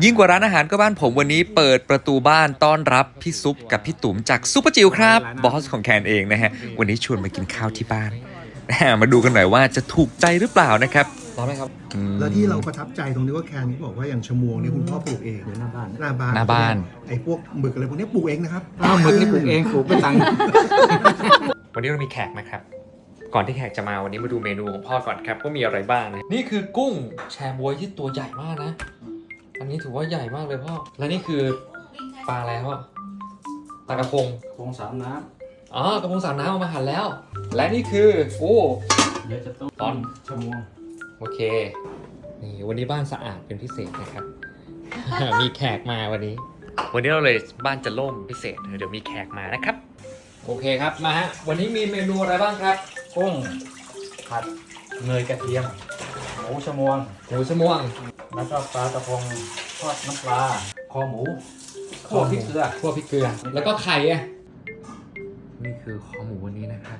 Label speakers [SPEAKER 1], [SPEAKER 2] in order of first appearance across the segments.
[SPEAKER 1] ยิ่งกว่าร้านอาหารก็บ้านผมวันนี้เปิดประตูบ้านต้อนรับพี่ซุปกับพี่ตุ๋มจากซุปเปอร์จิ๋วครับบอสของแคนเองนะฮะวันนี้ชวนมากินข้าวที่บ้านมาดูกันหน่อยว่าจะถูกใจหรือเปล่านะครับร้อนไหมครับ
[SPEAKER 2] แล้วที่เราประทับใจตรงนี้ว่าแคนนี่บอกว่าอย่างชะมวงนี่คุณพ่อปลูกเองหน้าบ้าน
[SPEAKER 1] หน้าบ้าน
[SPEAKER 2] ไอ้พวกหมึกอะไรพวกนี้ปลูกเองนะครับ
[SPEAKER 3] หมึกนี่ปลูกเองปลูกเป็นตังค์
[SPEAKER 1] วันนี้เรามีแขกนะครับก่อนที่แขกจะมาวันนี้มาดูเมนูของพ่อก่อนครับว่ามีอะไรบ้างนะนี่คือกุ้งแชบวยที่ตัวใหญ่มากนะอันนี้ถือว่าใหญ่มากเลยพ่อและนี่คือปลาอะไรพ่อปลากระพง
[SPEAKER 3] โครงสามน้
[SPEAKER 1] อ๋อกระพงสามน้ำเอามาหั่นแล้ว และนี่คือโอ้
[SPEAKER 3] ำเดี๋ยวจะต้มชะมวง
[SPEAKER 1] โอเคนี่วันนี้บ้านสะอาดเป็นพิเศษนะครับ มีแขกมาวันนี้เราเลยบ้านจะโล่งพิเศษเดี๋ยวมีแขกมานะครับโอเคครับมาฮะวันนี้มีเมนูอะไรบ้างครับ
[SPEAKER 3] กุ้งผัดเนยกระเทียมหมูชะมวง
[SPEAKER 1] หมูชะม่วง
[SPEAKER 3] แล้วก็ปลากระพงทอดน้ำปลาคอหมูคั่วพริกเกลือ
[SPEAKER 1] คั่วพริกเกลือแล้วก็ไข่อ่ะนี่คือคอหมูวันนี้นะครับ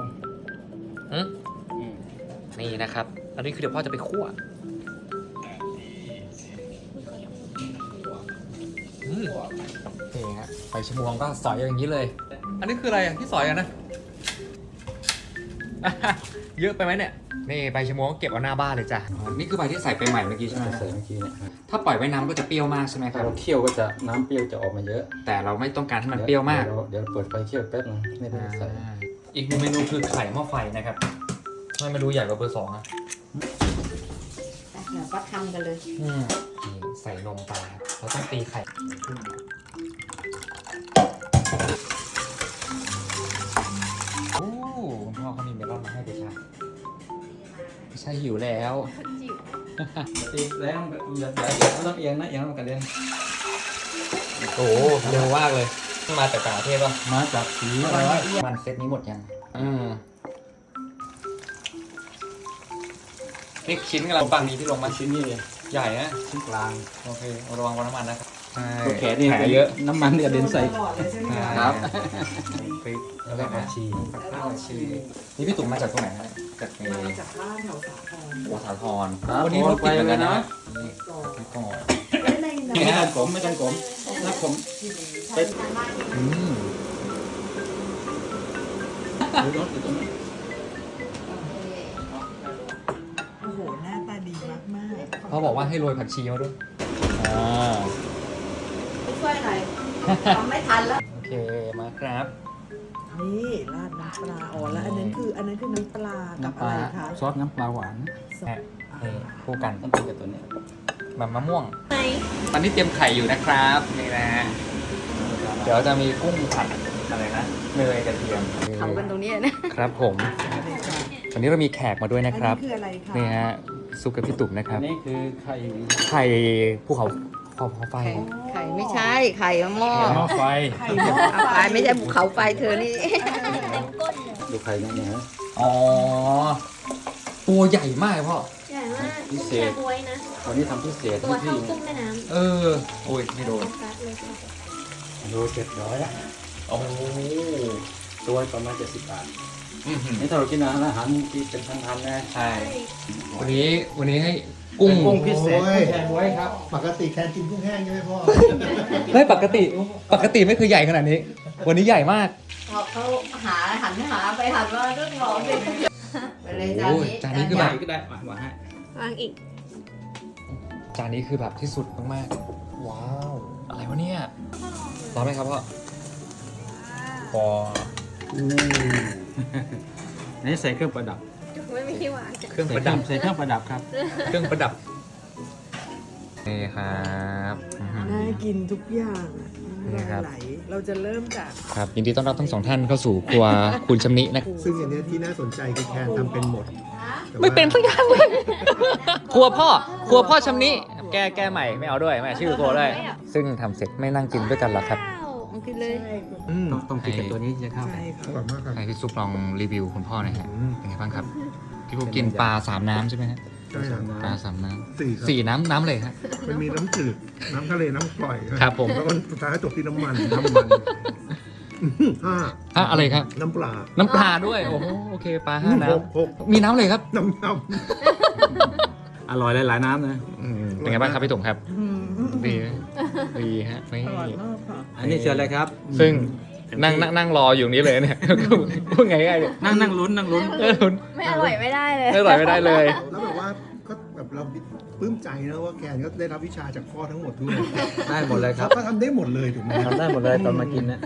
[SPEAKER 1] นี่นะครับอันนี้คือเดี๋ยวพ่อจะไปคั่วนี่ฮะใบชะมวงก็สอยอย่างนี้เลย อันนี้คืออะไรอ่ะที่สอยอ่ะนะ เยอะไปไหมเนี่ยนี่ใบชะมวงก็เก็บเอาหน้าบ้านเลยจ้ะนี่คือใบที่ใส่ไปใหม่เมื่อกี้ใช่ไหม
[SPEAKER 3] ใส่เมื่อกี้เนี่ย
[SPEAKER 1] ถ้าปล่อยไว้น้ำก็จะเปรี้ยวมากใช่ไหมค
[SPEAKER 3] ถ้า
[SPEAKER 1] รับ
[SPEAKER 3] เราเคี่ยวก็จะน้ำเปรี้ยวจะออกมาเยอะ
[SPEAKER 1] แต่เราไม่ต้องการให้มันเปรี้ยวมาก
[SPEAKER 3] เดี๋ยวเปิดไฟเคี่ยวแป๊บนึงไม่ได้ใส่
[SPEAKER 1] อีกหนึ่งเมนูคือไข่หม้อไฟนะครับทำไมมาดูใหญ่กว่าเบอร์ 2อ่ะ
[SPEAKER 4] เดี๋ยวก็ทำกันเลย
[SPEAKER 1] นี่ใส่นมไปครับเราต้องตีไข่โอ้คุณพ่อเขามีเมลอนมาให้เดชาไม่ใช่หิวแล้ว
[SPEAKER 3] ตีแล้วอย่าไม่ต้องเอียงนะเอียงแล้วมันกระเด็น
[SPEAKER 1] โอ้เร็วมากเลยมาจากต่างประเทศป่ะ
[SPEAKER 3] มาจากสีอะไรวะ
[SPEAKER 1] มันเซตนี้หมดยังนี่ชิ้นกำลังปังนี้ที่ลงมา
[SPEAKER 3] ชิ้นนี้เลย
[SPEAKER 1] ใหญ่นะ
[SPEAKER 3] ชิ้นกลาง
[SPEAKER 1] โอเคระวังน้ำมันนะครับใช่
[SPEAKER 3] ตัวแขนนี่
[SPEAKER 1] แผลเยอะ
[SPEAKER 3] น้ำมันกระเด็นใส่
[SPEAKER 1] ครับพริกแล้วก็ผักชีนี่พี่ตุ๋มมาจากตรงไหนฮะจากใน
[SPEAKER 4] มาจากบ้านแถวสาคร
[SPEAKER 1] หัวสาคร
[SPEAKER 3] ครับ
[SPEAKER 1] วันนี้รถติดเหมือนกันนะ
[SPEAKER 4] ก่อน
[SPEAKER 1] นี่ก่อน
[SPEAKER 3] ไม่ต้องผมไม่ต้องผมถ้าผมไปดูรถอยู่ตรงนี้
[SPEAKER 4] โอ้โห หน้าตาดีมากมาก
[SPEAKER 1] เขาบอกว่าให้โรยผักชีมาด้วย
[SPEAKER 4] ไม่ช่วยหน่อยทำไม่ทันแล้ว
[SPEAKER 1] โอเคมาครับ
[SPEAKER 5] นี่ราดน้ำปลาอ๋อแล้วอันนั้นคือน้ำปลากับ
[SPEAKER 3] น้ำป
[SPEAKER 5] อะ
[SPEAKER 3] ลา
[SPEAKER 5] ไรคะ
[SPEAKER 3] ซอสน้ำปลาหวาน
[SPEAKER 1] นี่คู่กัน
[SPEAKER 3] ต้องเป็นกับตัวนี้
[SPEAKER 1] แบบมะม่วงตอนนี้เตรียมไข่อยู่นะครับนี่นะฮะเดี๋ยวจะมีกุ้งผัดอะไรนะเนยกระเทียม
[SPEAKER 4] ทำกันตรงนี้นะครับ
[SPEAKER 1] ผมวันนี้เรามีแขกมาด้วยนะครับ
[SPEAKER 5] อันนี้คืออะไรคะ
[SPEAKER 1] นี่ฮะซุปกับพี่ตุ๋มนะครับ
[SPEAKER 3] อันนี้คือไข่
[SPEAKER 1] ไข่ภูเขาไฟ
[SPEAKER 4] ไข่ไม่ใช่ ไข่หม้อ
[SPEAKER 3] หม้อไฟ
[SPEAKER 5] ไข่หม้อ
[SPEAKER 4] เอาไฟไม่ใช่ภูเขาไฟเธอนี่
[SPEAKER 3] ดูไข่เนี่ยนะ
[SPEAKER 1] อ๋อตัวใหญ่มากพ่อ
[SPEAKER 6] ใหญ่มาก
[SPEAKER 3] พิเศษ
[SPEAKER 6] แช่บ๊วยนะ
[SPEAKER 3] วันนี้ทำพิเศษ
[SPEAKER 6] ตัว
[SPEAKER 3] ให้
[SPEAKER 6] เท่า
[SPEAKER 3] พี่
[SPEAKER 6] กุ้งแม่น้
[SPEAKER 1] เออโอ้ยไม่โดน
[SPEAKER 6] ำซัดเลยค่ะ
[SPEAKER 3] โล700ละ
[SPEAKER 1] โอ้
[SPEAKER 3] ตัวประมาณ70 บาท
[SPEAKER 1] อื้อหือ
[SPEAKER 3] นี่ถ้าเรากินอาหารที่เป็นพันๆนะ
[SPEAKER 1] ใช่วันนี้ให้กุ้ง
[SPEAKER 3] กุ้งพิเศษกุ้งแช่บ๊วยครับ
[SPEAKER 2] ปกติแคนกินกุ้งแห้งใช่ไหมพ่อ
[SPEAKER 1] เฮ้ยปกติไม่เคยใหญ่ขนาดนี้ วันนี้ใหญ่มาก
[SPEAKER 4] พอเขาหันหาไปหันมาเรื่องร้อนเลยไปเลยจาน
[SPEAKER 1] โอ้ย
[SPEAKER 4] นี้
[SPEAKER 1] จานนี้คือแบบ
[SPEAKER 3] ก็ได้หวานให้
[SPEAKER 6] วางอีก
[SPEAKER 1] จานนี้คือแบบที่สุดมากๆว้าวอะไรวะเนี่ยร้อนไหมครับพ่อพอ
[SPEAKER 3] นี่ใส่เครื่องประดับ
[SPEAKER 6] ไม่มีที่วาง
[SPEAKER 1] เครื่องประดับ
[SPEAKER 3] ใส่เครื่องประดับครับ
[SPEAKER 1] เครื่องประดับนี่ครับอื้อหือ
[SPEAKER 5] น่ากินทุกอย่างอะ
[SPEAKER 1] นี่ครับ
[SPEAKER 5] น้ำลายไหลเราจะเริ่มจาก
[SPEAKER 1] ครับยินดีต้อนรับทั้งสองท่านเข้าสู่ครัวคุณชำนินะครับ
[SPEAKER 2] ซึ่งอันเนี้ยที่น่าสนใจคือแคนทำเป็นหมดแต่ว่า
[SPEAKER 1] ไม่เป็นสักอย่างเลยครัวพ่อชำนิแก้ใหม่ไม่เอาด้วยไม่เอาชื่อครัวด้วยซึ่งทำเสร็จไม่นั่งกินด้วยกันหรอกครับ
[SPEAKER 4] มันกินเลย
[SPEAKER 2] อืม
[SPEAKER 3] ต้องกินกับตัวนี้จะเข้า
[SPEAKER 5] ใช่
[SPEAKER 2] อ
[SPEAKER 5] ค่ะ
[SPEAKER 2] ร่อยมากครับ
[SPEAKER 1] ให้พี่ซุปลองรีวิวคุณพ่อหน่อยฮะ
[SPEAKER 2] อืม
[SPEAKER 1] เป็นไงบ้างครับพี่พวกกินปลา3 น้ำใช่ไหมฮะ
[SPEAKER 2] ใช่ครับ
[SPEAKER 1] ปลา3 น้
[SPEAKER 2] สี่ครับ
[SPEAKER 1] ำ4 น้ำเลยฮะ
[SPEAKER 2] มันมีน้ำจืด น้ำทะเล น้ำกร่อย
[SPEAKER 1] ครับผม
[SPEAKER 2] แล้วก็สุดท้ายจบที่น้ำมันห้า
[SPEAKER 1] อะไรครับ
[SPEAKER 2] น้ำปลา
[SPEAKER 1] น้ำปลาด้วยโอ้โหโอเคปลา5 น้
[SPEAKER 2] หก
[SPEAKER 1] ำมีน้ำเลยครับ
[SPEAKER 2] น้ำย
[SPEAKER 3] อร่อยหลายๆน้ำนะ
[SPEAKER 1] เป็นไงบ้างครับพี่ตุ๋มครับ
[SPEAKER 5] อืม
[SPEAKER 1] ดีไหมดีฮะนี่
[SPEAKER 5] อร่อยมากค่ะ
[SPEAKER 3] อันนี้เชิญเลยครับ
[SPEAKER 1] ซึ่งนั่งรออยู่นี้เลยเนี่ย พูดไงๆเนี่ย
[SPEAKER 3] นั่งลุ้น
[SPEAKER 1] ลุ้น
[SPEAKER 4] ไม่อร่อยไม่ได้เลย
[SPEAKER 1] ไม่อร่อยไม่ได้เลย
[SPEAKER 2] แล้วแบบว่าก็แบบเราปลื้มใจนะว่าแคนก็ได้รับวิชาจากพ่อทั้งหมดด้วย
[SPEAKER 3] ได้หมดเลยครับ
[SPEAKER 2] ก็ทำได้หมดเลยถูกไหมครับ
[SPEAKER 3] ทำได้หมดเลยตอนมากินนะ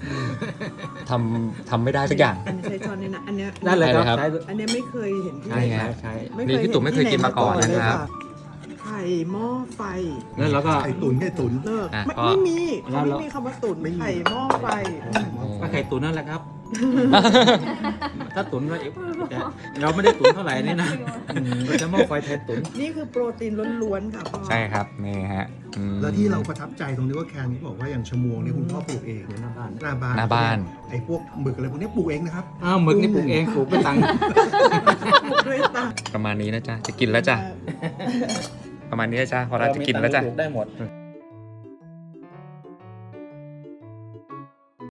[SPEAKER 1] ทำไม่ได้สักอย่าง
[SPEAKER 5] อันนี้ใช้ช้อนนี่นะอันเนี้ย
[SPEAKER 3] ได้เลยครับ
[SPEAKER 1] ได้เลยครับ
[SPEAKER 3] ใช้
[SPEAKER 5] อันเนี้ยไม่เคยเห็นที่
[SPEAKER 1] ใช่
[SPEAKER 5] ไหน
[SPEAKER 1] ไง
[SPEAKER 3] ใช้
[SPEAKER 1] นี่พี่ตุ๋มไม่เคยกินมาก่อนนะครับ
[SPEAKER 5] ไข่หม้อไฟ
[SPEAKER 3] แล้วเราก็
[SPEAKER 2] ไข่ตุ๋น
[SPEAKER 5] เลิก
[SPEAKER 1] อ่ะ
[SPEAKER 5] ไม่
[SPEAKER 1] พ่อ
[SPEAKER 5] ไม่มี
[SPEAKER 3] แล้ว
[SPEAKER 5] เขา
[SPEAKER 3] เรา
[SPEAKER 5] ไม่มีคำว่าตุ๋น
[SPEAKER 2] ไม่มี
[SPEAKER 5] ไข่หม้อไฟ
[SPEAKER 3] ก็ไข่ตุ๋นนั่นแหละครับ ถ้าตุ๋นเราแต่เราไม่ได้ตุ๋นเท่าไหร่นี่นะเราจะหม้อไฟแทนตุ๋น
[SPEAKER 5] นี่คือโปรตีนล้วนๆค่ะพ่อ
[SPEAKER 1] ใช่ครับนี่ฮะอืม
[SPEAKER 2] แล้วที่เราประทับใจตรงที่ว่าแคนนี่บอกว่าอย่างชะมวงเนี่ยคุณพ่อปลูกเอง
[SPEAKER 3] หน้าบ้าน
[SPEAKER 2] หน้าบ้าน
[SPEAKER 1] หน้าบ้าน
[SPEAKER 2] ไอ้พวกหมึกอะไรพวกนี้ปลูกเองนะครับ
[SPEAKER 3] อ้าวหมึกนี่ปลูกเองปลูกไม่ตังค์
[SPEAKER 5] ด้วยตา
[SPEAKER 1] ประมาณนี้นะจ๊ะจะกินแล้วจ้ะประมาณนี้นะจ๊ะพอเราจะกินแล้วจ้ะ
[SPEAKER 3] ปลูกได้หมด